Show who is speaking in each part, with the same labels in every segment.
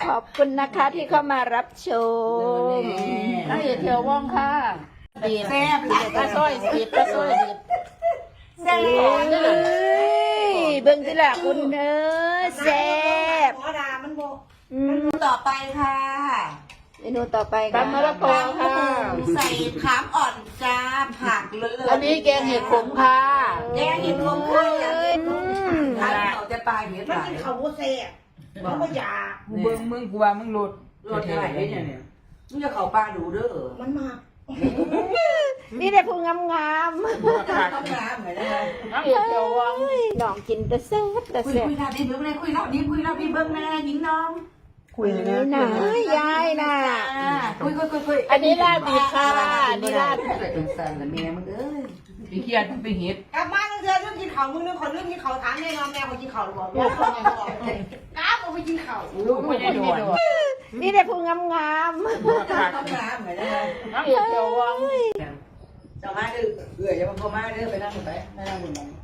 Speaker 1: ขอบคุณนะคะที่เข้ามารับชม
Speaker 2: น้าเอกเขียวว่องค่ะดีแซ่บปลาส้อยดีปลาส้อยดีแซ่บ
Speaker 1: เบิ่งสิล่ะคุณเอ้ยแซ่บ
Speaker 3: ขอดามันบอก
Speaker 2: ต่อไปค่ะ
Speaker 1: เมนูต่อไปค่ะ
Speaker 2: ตำมะละกอค่ะ
Speaker 3: ใส่ขามอ่อนจ้าผักเลย
Speaker 2: อันนี้แกงเห็ดขมค่ะ
Speaker 3: แกงเห็ดขมค่ะ
Speaker 2: ร้านเขาจะปลาเห็ด
Speaker 3: มัน
Speaker 2: หลาย
Speaker 3: กินข้าวโพดเซ่มันก็ยา
Speaker 2: มึงกูว่ามึงหลุด
Speaker 4: รถเท่าไหร่เนี่ยมึงจะเข้าปลาดูเด้อ
Speaker 3: มันมาก
Speaker 1: นี่ได้พูงาม
Speaker 4: ต้องน้ำเหมือนกัน
Speaker 2: น้าเอกเขียวว่อง
Speaker 1: ๆน้องกินแต่แซ่บแต่
Speaker 4: คุย
Speaker 1: แซ่บ
Speaker 4: คุยรอบนี้เบิ้งเลยคุยรอบนี้คุยรอบนี้เบิ้งแม่หญิงน้อง
Speaker 1: คุยนะยายน่ะ
Speaker 4: คุย
Speaker 2: อันนี้ลาบดิบค่ะอันนี้ลาบ
Speaker 4: เกิดเป็นสันแต่แม่มึงเอ้ย
Speaker 2: พี่เขียนไปเห็ด
Speaker 3: กลับมาเธอเรื่องกินข้าวมึงนึกคนเรื่องกินข้าวถามแม่น้องแม่เขากินข้าวหรือเปล่าก้าวเอาไปกินข้าว
Speaker 2: ลูกไม่ได้โดน
Speaker 1: นี่ได้พูงาม
Speaker 4: ต้องน้ำเหมือนกัน
Speaker 2: น้าเอกเขียวว่อง
Speaker 4: จะมาดื้อเอื่อยจะมาพอมาเด้อไปนั่งไปนั่งบนนั้น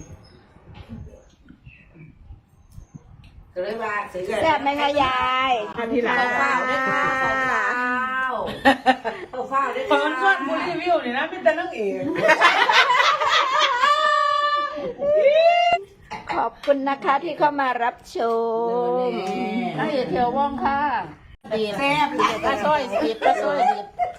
Speaker 4: ก็เลยว่าซื้อ
Speaker 1: ๆแซ่บไหมคะยาย
Speaker 4: ทีหลังเฝ้าด้วยค่ะเฝ้าด้วย
Speaker 2: เปิดส่วนบุรีวิวนี่นะเป็นแต่นั่งเอก
Speaker 1: ขอบคุณนะคะที่เข้ามารับชม
Speaker 2: น้าเอกเขียวว่องค่ะดีแซ่บปลาส้อยดีปลาส้อยดี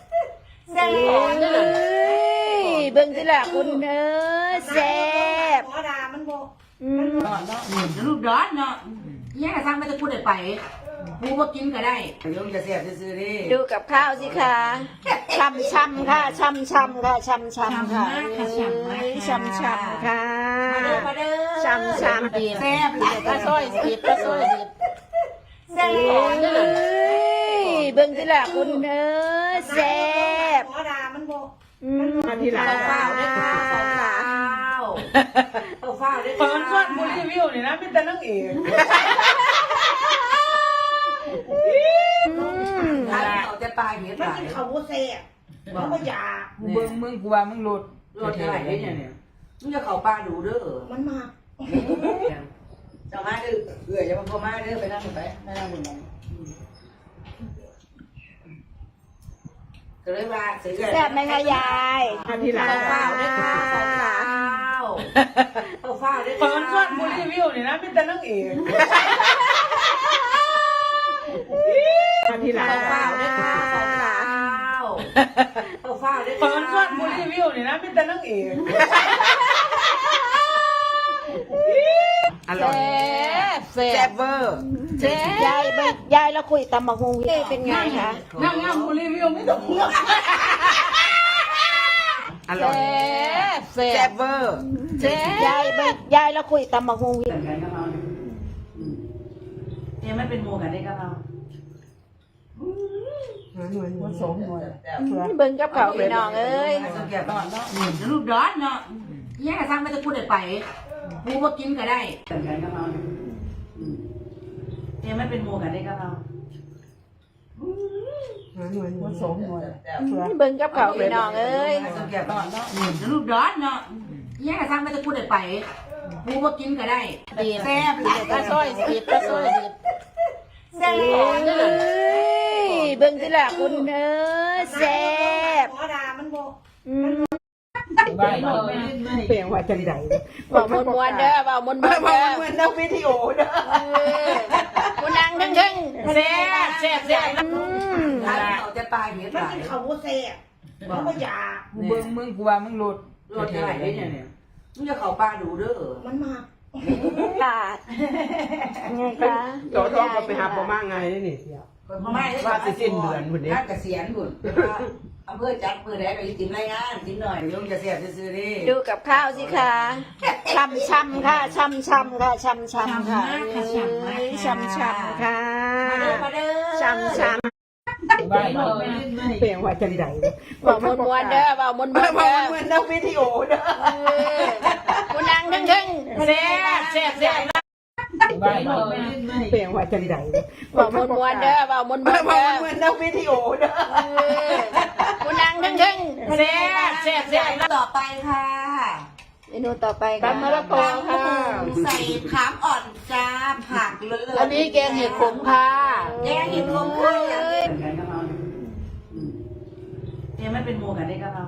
Speaker 1: เบิ่งสิล่ะคุณเอ้ยแซ่บ
Speaker 3: ขอดามันบอก
Speaker 4: ลูกดอนเนาะแย่สร้างไม่จะพูดได้ไปกูก็กินก็ได้เรื่องจะเสียบซื้อดิ
Speaker 1: ดูกับข้าวสิคะช่ำๆค่ะช่ำๆค่ะช่ำๆค่ะช่ำๆค่ะ
Speaker 4: มาเด้อ
Speaker 1: ช่ำๆ
Speaker 2: ดีแซ่บปลาส้อยดีปลาส้อยดี
Speaker 1: เบิ่งสิล่ะคุณเอ้ยแซ่บ
Speaker 3: ขอดามันบอก
Speaker 4: ทีหลังเฝ้าด้วยค่ะเฝ้าด้วย
Speaker 2: เปิดส่วนบุรีวิวนี่นะเป็นแต่นั่งเอก
Speaker 4: ร้านเขาจะปลาเห็ด
Speaker 3: มัน
Speaker 4: หลาย
Speaker 3: กินข้าวโพดเซ่มันก็ยา
Speaker 2: มึงกูว่ามึงหลุด
Speaker 4: รถเท่าไหร่เนี่ยมึงจะเข้าปลาดูเด้อ
Speaker 3: มันมาก
Speaker 4: จะมาดื้อเอื่อยจะมาพอมาเด้อไปนั่งไปนั่งบนนั้นก็เลยว่าซื้อ
Speaker 1: แซ่บไหมคะยาย
Speaker 4: ทีหลังเฝ้าด้วยค่ะเฝ้าด้วย
Speaker 2: เปิดส่วนบุรีวิวนี่นะเป็นแต่นั่งเอก
Speaker 4: ทีหลังเฝ้าด้วยค่ะเฝ้าด้วย
Speaker 2: เปิดส่วนบุรีวิวนี่นะเป็นแต่นั่งเอก
Speaker 4: อร่อย
Speaker 2: แซ่บ
Speaker 4: เวอร์
Speaker 2: แซ่บ
Speaker 1: ยายแล้วคุยตำบักฮงเป็นไงคะ
Speaker 2: นั่งบุรีวิวไม่ต้องเลือก
Speaker 4: อร่อย
Speaker 2: แซ่บ
Speaker 4: เวอร์
Speaker 2: แซ่บ
Speaker 1: ยายแล้วคุยตำบักฮง
Speaker 4: เนี่ยมันเป็นโมกันได้กับเรา
Speaker 2: มันสมหน่วย
Speaker 1: เบิ่งกับเขาพี่น้องเอ้ย
Speaker 4: สังเกตตอนเนาะลูกดอนเนาะแย่สร้างไม่จะพูดได้ไปกูก็กินก็ได้กันกับเราเนี่ยมันเป็นโมกันได้กับเรา
Speaker 2: มันสมหน่วย
Speaker 1: เบิ่งกับเขาพี่น้องเอ้ย
Speaker 4: สังเกตตอนเนาะลูกดอนเนาะแย่สร้างไม่จะพูดได้ไปกูก็กินก็ได้
Speaker 2: ดี
Speaker 4: แซ่บ
Speaker 2: ปลาส้อยดีปลาส้อยดี
Speaker 1: เบิ่งสิล่ะคุณเอ้ยแซ่บ
Speaker 3: ขอดามันบอก
Speaker 2: ใบ
Speaker 4: เปลี่ยนว่าจังใด
Speaker 1: เบามวนๆเด้อเบามวนๆเด้อ
Speaker 4: เหมือนนักวิดีโอเด้อ
Speaker 1: คุณนางทั้ง
Speaker 2: แซ่บแซ่บแซ่บ
Speaker 4: ร้านเขาจะปลาเห็ด
Speaker 3: มัน
Speaker 4: หลาย
Speaker 3: กินข้าวโพดเซ่มันก็ยา
Speaker 2: มึงกูว่ามึงหลุด
Speaker 4: รถเท่าไหร่เนี่ยมึงจะเข้าปลาดูเด้อ
Speaker 3: มันมาก
Speaker 1: ๆค่ะไงคะ
Speaker 5: ต่อท้องก็ไปหาประมาณไงนี่
Speaker 4: ว่าสิสิ้นเดือนพุ่นเด้เกษียณพุ่นอำเภอจัดอำเภอใดก็สิติมรายงานติมหน่อยลุงจะเสียบซื้อๆดิ
Speaker 1: ดูกับข้าวสิคะช่ำๆค่ะช่ำๆค่ะช่ำๆค่ะช่ำๆค่ะ
Speaker 4: มาเด้อ
Speaker 1: ช่ำ
Speaker 2: ใบ
Speaker 5: เปลี่ยนว่าจังใด
Speaker 1: ๆเบามวนๆเด้อเบามวนๆเด้อ
Speaker 5: เหมือนนักวิดีโอเด้อ
Speaker 1: คุณนางทั้ง
Speaker 2: แซ่บแซ่บแซ่บใบ
Speaker 5: เปลี่ยนว่าจังใด
Speaker 1: ๆเบามวนๆเด้อเบามวนๆเด้อ
Speaker 5: เหมือนนักวิดีโอเด้อ
Speaker 1: คุณนางทั้ง
Speaker 2: แซ่บแซ่บแซ่บ
Speaker 4: ต่อไปค่ะ
Speaker 1: ๆเมนูต่อไปค่ะ
Speaker 2: ตำมะละกอค่ะ
Speaker 3: ใส่ขามอ่อนจ้าผักเลย
Speaker 2: อันนี้แกงเห็ดขมค่ะ
Speaker 1: เ
Speaker 3: แกงเห็ดรวมข้าว
Speaker 4: กันกับเราเนี่ยมันเป็นหมูกันได้กับเรา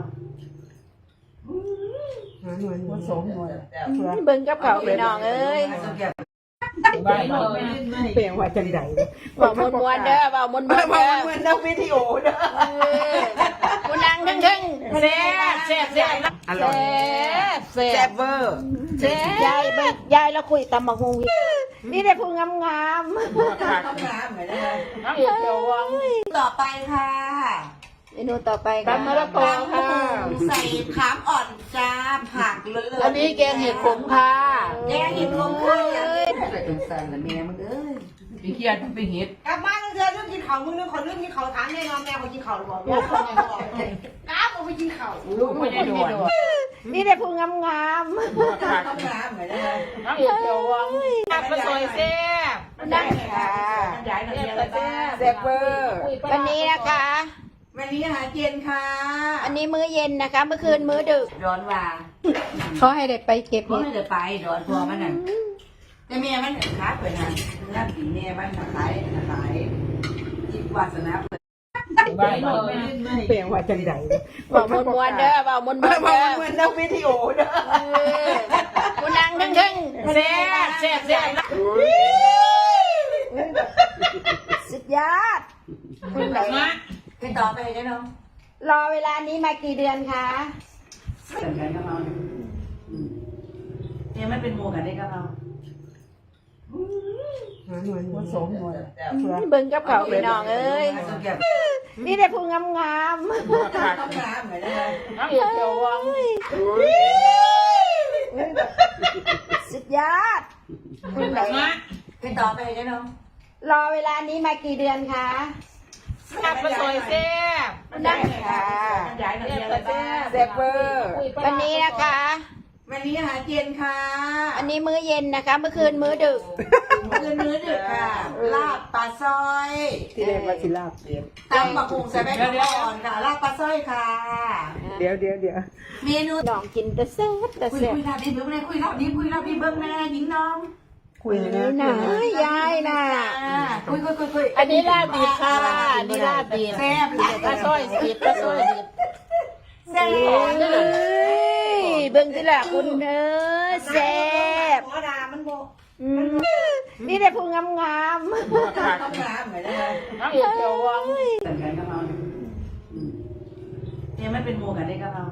Speaker 5: มันสมหน่วย
Speaker 1: เบิ่งกับเขาพี่น้องเอ้ย
Speaker 2: ใบหน่อย
Speaker 5: เปลี่ยนว่าจังใด
Speaker 1: บอกมวนๆเด้อบอกมวนๆ
Speaker 5: มา
Speaker 1: เด้อ
Speaker 5: เหมือนนักวิดีโอเด้อ
Speaker 1: กูนั่งทึ่งๆ
Speaker 2: แซ่บแซ่บแซ่บ
Speaker 5: อร่อย
Speaker 1: แซ่บ
Speaker 5: แซ่บเวอร์
Speaker 2: แซ่บ
Speaker 1: ยายไปยายแล้วคุยตำบักฮงนี่ได้พูงาม
Speaker 4: น้ำเหมือนกัน
Speaker 2: น้ำเขียววัง
Speaker 3: ต่อไปค่ะ
Speaker 1: ๆเมนูต่อไปค่ะ
Speaker 2: ตำมะละกอค่ะ
Speaker 3: ใส่ขามอ่อนจ้าผักเลย
Speaker 2: อันนี้แกงเห็ดขมค่ะ
Speaker 3: แกงเห็ดรวมข้าว
Speaker 4: แต่ตรงสันละแม่มึงเอ้ย
Speaker 2: พี่เขียนไปเห็ด
Speaker 3: กลับบ้านเธอเรื่องกินข้าวมึงนึกคนเรื่องกินข้าวถามแน่นอนแม่เขากินข้าวหรือเปล่าลูกคนยังบอกก้าวไปกินข้าว
Speaker 2: ลูกไม่ได้ด่วน
Speaker 1: นี่ได้พูงาม
Speaker 4: น้ำเหมือนกัน
Speaker 2: น้ำเขียววังน้ำปลาซอยแซ่บ
Speaker 1: ๆนั่งค่ะ
Speaker 3: ย้ายหน่อยอะไรบ้าง
Speaker 5: แซ่บเวอร์
Speaker 1: วันนี้นะคะ
Speaker 3: วันนี้อาหารเย็นค่ะ
Speaker 1: อันนี้มื้อเย็นนะคะ เมื่อคืนมื้อดึก
Speaker 3: ร้อนว่า
Speaker 1: เขาให้ได้ไปเก็บ
Speaker 3: เพราะ
Speaker 1: เห็ด
Speaker 3: ไม่ได้ไปร้อนพอมันน่ะแต่เมียมันค้าเปิดนะน้ำสีเมียมันขายจิตวาสนาเปิด
Speaker 2: ใบหน่อย
Speaker 5: เปลี่ยนว่าจังใด
Speaker 1: บอกมวนๆเด้อบอกมวนๆ
Speaker 5: มา
Speaker 1: เด้อ
Speaker 5: เหมือนนักวิดีโอเด้อ
Speaker 1: กูนั่งทึ่งๆ
Speaker 2: แซ่บแซ่บแซ่บ
Speaker 1: สุดยอด
Speaker 2: มา
Speaker 3: ให้ต่อไปได้เนาะ
Speaker 1: รอเวลานี้มากี่เดือนคะ
Speaker 4: กันกับเราเนี่ยมันเป็นหมูกันได้กับเรา
Speaker 5: มันสมหน่วย
Speaker 1: เบิ่งกับเขาพี่น้องเอ้ย นี่ได้พูงาม
Speaker 3: น้ำเหมือนกัน
Speaker 2: น้ำเขียววัง
Speaker 1: ๆสุดยอด
Speaker 2: มา
Speaker 3: ให้ต่อไปได้เนาะ
Speaker 1: รอเวลานี้มากี่เดือนคะ
Speaker 2: น้ำปลาซอยแซ่บ
Speaker 1: นั่งค่ะ
Speaker 3: ย้ายหน่อยอะไรบ้าง
Speaker 5: แซ่บเวอร์
Speaker 1: วันนี้นะคะ
Speaker 3: วันนี้อาหารเย็นค่ะ
Speaker 1: อันนี้มื้อเย็นนะคะ เมื่อคืนมื้อดึก
Speaker 3: คืนมื้อดึกค่ะลาบปลาซอย
Speaker 5: ที่เรียกว่าศิลาเปลี่ยน
Speaker 3: ตำบักหุ่งใส่ใบกระอ่อนค่ะลาบปลาซอยค่ะ
Speaker 5: เดี๋ยว
Speaker 3: เมนู
Speaker 1: น้องกินแต่แซ่บแต่
Speaker 3: คุย
Speaker 1: แซ่บ
Speaker 3: คุยรับดีเบิ้งเลยคุยรับดีเบิ้งแม่หญิงน้อง
Speaker 5: คุยนะ
Speaker 1: น่ะยายน่ะ
Speaker 3: คุย
Speaker 2: อันนี้ลาบดิบค่ะอันนี้ลาบดิบ
Speaker 3: แซ่บ
Speaker 2: ปลาซอยดิบปลาซอยดิบ
Speaker 3: แซ่บ
Speaker 1: เอ้ยเบิ่งสิล่ะคุณเอ้ยแซ่บ
Speaker 3: หมอดามันโบ
Speaker 1: อืมนี่ได้พูงาม
Speaker 3: ต้องน้ำเหมือนกัน
Speaker 2: น้ำเขียววัง
Speaker 4: กันกับเราเนี่ยมันเป็นหมูกันได้กับเรา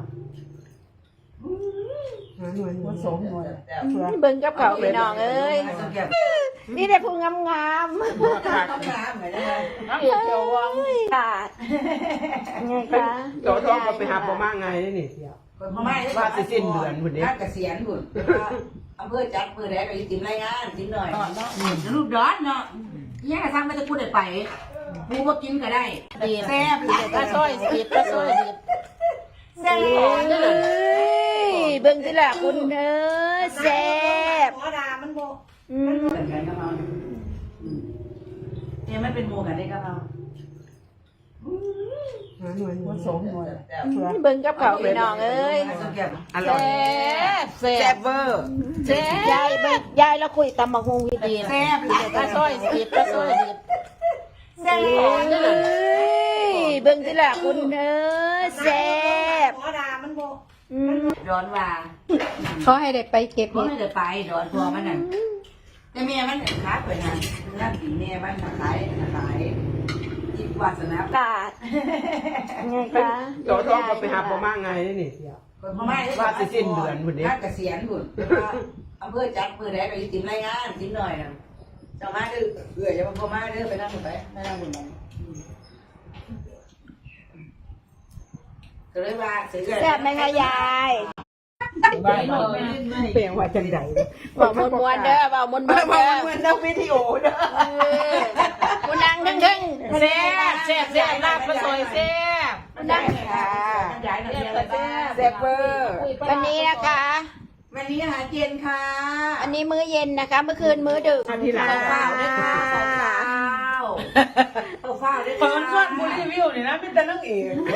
Speaker 5: มันสมหน่วย
Speaker 1: ๆเบิ่งกับเขาพี่น้องเอ้ย นี่ได้พูงาม
Speaker 3: ต้องน้ำเหมือนกัน
Speaker 2: น้ำเขียววัง
Speaker 1: ๆค่ะไงคะ
Speaker 5: เดี๋ยวท้องก็ไปหาพ่อมาไงนี่
Speaker 3: พม่า
Speaker 5: ว่าสิสิ้นเดือนพุ่นเด้
Speaker 4: ถ้าเกษียณบุญอำเภอจัดอำเภอใดก็ติมรายงานติมหน่อย
Speaker 3: ลูกร้อนเนาะย่าทำมันจะพูดได้ไปกูก็กินก็ได้
Speaker 2: ดิบ
Speaker 3: แซ่บ
Speaker 2: ปลาซอยดิบปลาซอยดิบ
Speaker 3: แซ่บ
Speaker 1: เอ้ยเบิ่งสิล่ะคุณเอ้ยแซ่บ
Speaker 3: หมอดามันโบ
Speaker 1: อืม
Speaker 4: กันกับเราเนี่ยมันเป็นหมูกันได้กับเรา
Speaker 5: มันสมหน่วย
Speaker 1: เบิ่งกับเขาพี่น้องเอ้ย
Speaker 5: อร่อย
Speaker 2: แซ่บแซ่
Speaker 5: แซ่
Speaker 2: บบ
Speaker 5: เวอร์
Speaker 2: แซ่บ
Speaker 1: ยายแล้วคุยตำบักฮง
Speaker 2: ดิบ
Speaker 3: แซ่บ
Speaker 2: ปลาซอยดิบปลาซอยดิบ
Speaker 3: แซ่บ
Speaker 1: เอ้ยเบิ่งสิล่ะคุณเอ้ยแซ่บ
Speaker 3: หมอดามันโบ
Speaker 1: อืม
Speaker 3: ร้อนว่า
Speaker 1: เขาให้ได้ไปเก็บ
Speaker 3: เพราะ
Speaker 1: เห็ด
Speaker 3: ไม่ได้ไปร้อนพอมันน่ะแต่เมียมันค้าเปิดนะน้ำสีเมียมันขายจิตวาสนา
Speaker 1: กาดไงคะ
Speaker 5: เดี๋ยวท้องก็ไปหาพ่อมาไงนี่
Speaker 3: พม่า
Speaker 5: ว่าสิสิ้นเดือนพุ่นเด้
Speaker 4: ถ้าเกษียณบุญอำเภอจัดอำเภอใดก็ติมรายงานติมหน่อยนะเจ้ามาดื้ออย่ามาพ่อมาเด้อไปนั่งไปนั่งบุญก็เลยว่าซื้อ
Speaker 1: แซ่บไหมคะยาย
Speaker 2: ใบหน่อย
Speaker 5: เปลี่ยนว่าจังใด
Speaker 1: บอกมวนๆเด้อบอกมวนๆ
Speaker 5: มา
Speaker 1: เด้อ
Speaker 5: เหมือนนักวิดีโอเด้อ
Speaker 1: กูนั่งทึ่ง
Speaker 2: แซ่บแซ่บแซ่บลาบปลาซอยแซ่บ
Speaker 1: ๆนั่งค่ะ
Speaker 3: ย้ายหน่อยอะไรบ้าง
Speaker 5: แซ่บเวอร์
Speaker 1: วันนี้นะคะ
Speaker 3: วันนี้อาหารเย็นค่ะ
Speaker 1: อันนี้มื้อเย็นนะคะ เมื่อคืนมื้อดึก
Speaker 5: มาทีหลัง
Speaker 3: ข้าวด้วยค่ะข้าวด้วย
Speaker 2: เปิ
Speaker 3: ค่ะ
Speaker 2: ดส่วนบุรีวิวนี่นะมีแต่นังเอก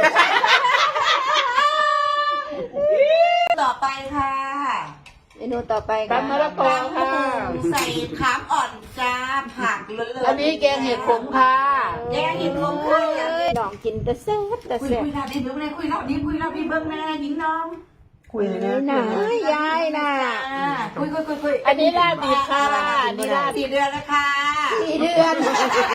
Speaker 3: ต่อไปค่ะ
Speaker 1: เมนูต่อไปค่ะ
Speaker 2: ตำมะละกอค่ะ
Speaker 3: ใส่ขามอ่อนจ้าผักเลอะๆ
Speaker 2: อันนี้แกงเห็ดขมค่ะ
Speaker 3: แกงเห็ดขมค่ะ
Speaker 1: น้องกินแต่แซ่บแต่
Speaker 3: คุย
Speaker 1: แซ่บ
Speaker 3: คุยเราดิเบิ้งเลยคุยเราดิคุยเราดิเบิ้งแม่หญิงน้อง
Speaker 5: คุยเลยนะ
Speaker 1: น่ะยายน่ะ
Speaker 3: คุย
Speaker 2: อันนี้ลาบดิบค่ะอันนี้ลาบ
Speaker 3: 4 เดือนแล้วค่ะ
Speaker 1: 4 เดือน